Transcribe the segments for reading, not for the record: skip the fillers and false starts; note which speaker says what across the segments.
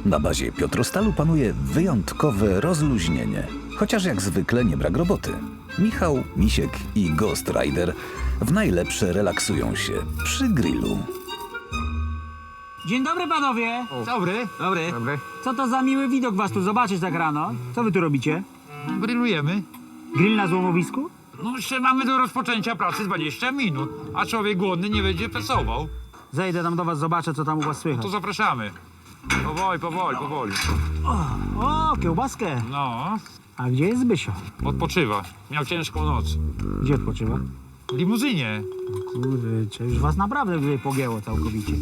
Speaker 1: Na bazie Piotrostalu panuje wyjątkowe rozluźnienie. Chociaż jak zwykle nie brak roboty. Michał, Misiek i Ghost Rider w najlepsze relaksują się przy grillu.
Speaker 2: Dzień dobry panowie.
Speaker 3: Dobry.
Speaker 2: Dobry.
Speaker 3: Dobry.
Speaker 2: Co to za miły widok was tu zobaczyć tak rano? Co wy tu robicie?
Speaker 3: Grillujemy.
Speaker 2: Grill na złomowisku?
Speaker 3: No jeszcze mamy do rozpoczęcia pracy 20 minut, a człowiek głodny nie będzie pracował.
Speaker 2: Zejdę tam do was, zobaczę co tam u was słychać.
Speaker 3: To zapraszamy. Powoli.
Speaker 2: O, kiełbaskę.
Speaker 3: No,
Speaker 2: A gdzie jest Zbysio?
Speaker 3: odpoczywa. Miał ciężką noc.
Speaker 2: Gdzie odpoczywa?
Speaker 3: W limuzynie.
Speaker 2: Kurczę, już was naprawdę tutaj pogięło całkowicie.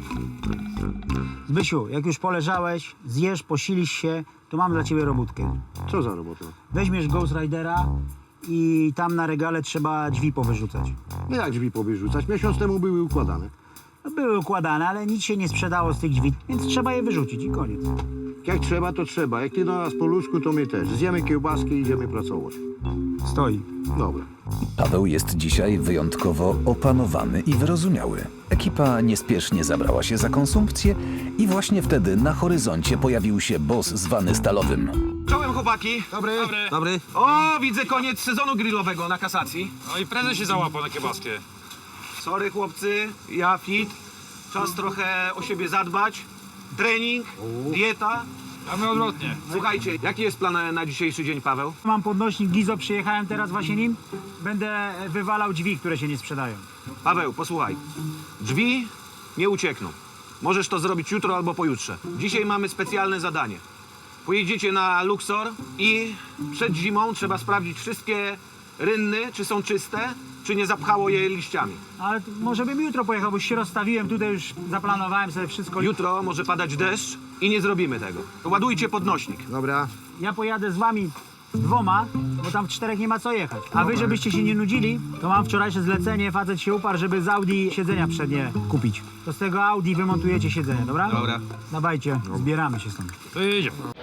Speaker 2: Zbysiu, jak już poleżałeś, zjesz, posilisz się, to mam dla ciebie robótkę.
Speaker 4: Co za robota?
Speaker 2: Weźmiesz Ghost Ridera i tam na regale trzeba drzwi powyrzucać.
Speaker 4: No jak drzwi powyrzucać? Miesiąc temu były układane.
Speaker 2: No, były układane, ale nic się nie sprzedało z tych drzwi, więc trzeba je wyrzucić i koniec.
Speaker 4: Jak trzeba, to trzeba. Jak ty do nas po ludzku, to my też. Zjemy kiełbaski i idziemy pracować.
Speaker 2: Stoi.
Speaker 4: Dobra.
Speaker 1: Paweł jest dzisiaj wyjątkowo opanowany i wyrozumiały. Ekipa niespiesznie zabrała się za konsumpcję i właśnie wtedy na horyzoncie pojawił się boss zwany Stalowym.
Speaker 5: Czołem chłopaki.
Speaker 3: Dobry.
Speaker 5: O, widzę koniec sezonu grillowego na kasacji.
Speaker 3: No i prezes się załapał na kiebaskę.
Speaker 5: Sorry chłopcy, ja fit. Czas trochę o siebie zadbać. Trening, dieta.
Speaker 3: A my odwrotnie.
Speaker 5: Słuchajcie, jaki jest plan na dzisiejszy dzień, Paweł?
Speaker 2: Mam podnośnik Gizo, przyjechałem teraz właśnie nim. Będę wywalał drzwi, które się nie sprzedają.
Speaker 5: Paweł, posłuchaj. Drzwi nie uciekną. Możesz to zrobić jutro albo pojutrze. Dzisiaj mamy specjalne zadanie. Pojedziecie na Luxor i przed zimą trzeba sprawdzić wszystkie rynny, czy są czyste, czy nie zapchało je liściami.
Speaker 2: Ale może bym jutro pojechał, bo się rozstawiłem, tutaj już zaplanowałem sobie wszystko.
Speaker 5: Jutro może padać deszcz i nie zrobimy tego. To ładujcie podnośnik.
Speaker 4: Dobra.
Speaker 2: Ja pojadę z wami dwoma, bo tam w czterech nie ma co jechać. A wy, żebyście się nie nudzili, to mam wczorajsze zlecenie, facet się uparł, żeby z Audi siedzenia przednie kupić. To z tego Audi wymontujecie siedzenie, dobra?
Speaker 5: Dobra.
Speaker 2: Dawajcie, zbieramy się stąd.
Speaker 3: To jedziemy.